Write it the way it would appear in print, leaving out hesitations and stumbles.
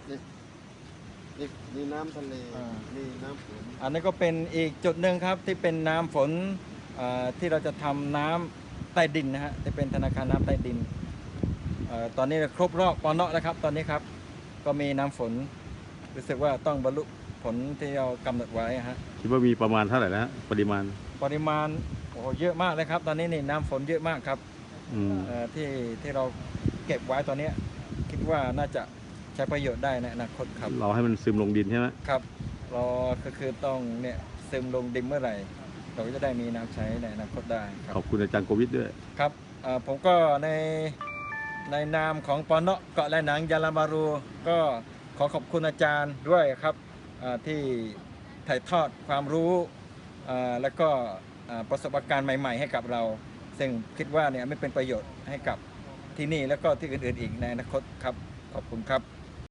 นี่น้ำทะเลนี่น้ำฝนอันนี้ก็เป็นอีกจุดหนึ่งครับที่เป็นน้ำฝนที่เราจะทำน้ำใต้ดินนะฮะที่เป็นธนาคารน้ำใต้ดินตอนนี้ครบรอบปอนเนาะแล้วครับตอนนี้ครับก็มีน้ำฝนรู้สึกว่าต้องบรรลุผลที่เรากำหนดไว้ฮะคิดว่ามีประมาณเท่าไหร่นะปริมาณโอ้เยอะมากเลยครับตอนนี้นี่น้ำฝนเยอะมากครับที่เราเก็บไว้ตอนนี้คิดว่าน่าจะใช้ประโยชน์ได้ในอนาคตครับเราให้มันซึมลงดินใช่ไหมครับเราก็คือต้องเนี่ยซึมลงดินเมื่อไหร่เราก็จะได้มีน้ำใช้ในอนาคตได้ครับขอบคุณอาจารย์โควิดด้วยครับผมก็ในนามของปอนเนาะเกาะและหนังยาลาบารูก็ขอขอบคุณอาจารย์ด้วยครับที่ถ่ายทอดความรู้และก็ประสบการณ์ใหม่ๆให้กับเราซึ่งคิดว่าเนี่ยไม่เป็นประโยชน์ให้กับที่นี่แล้วก็ที่อื่นๆอีกในอนาคตครับขอบคุณครับ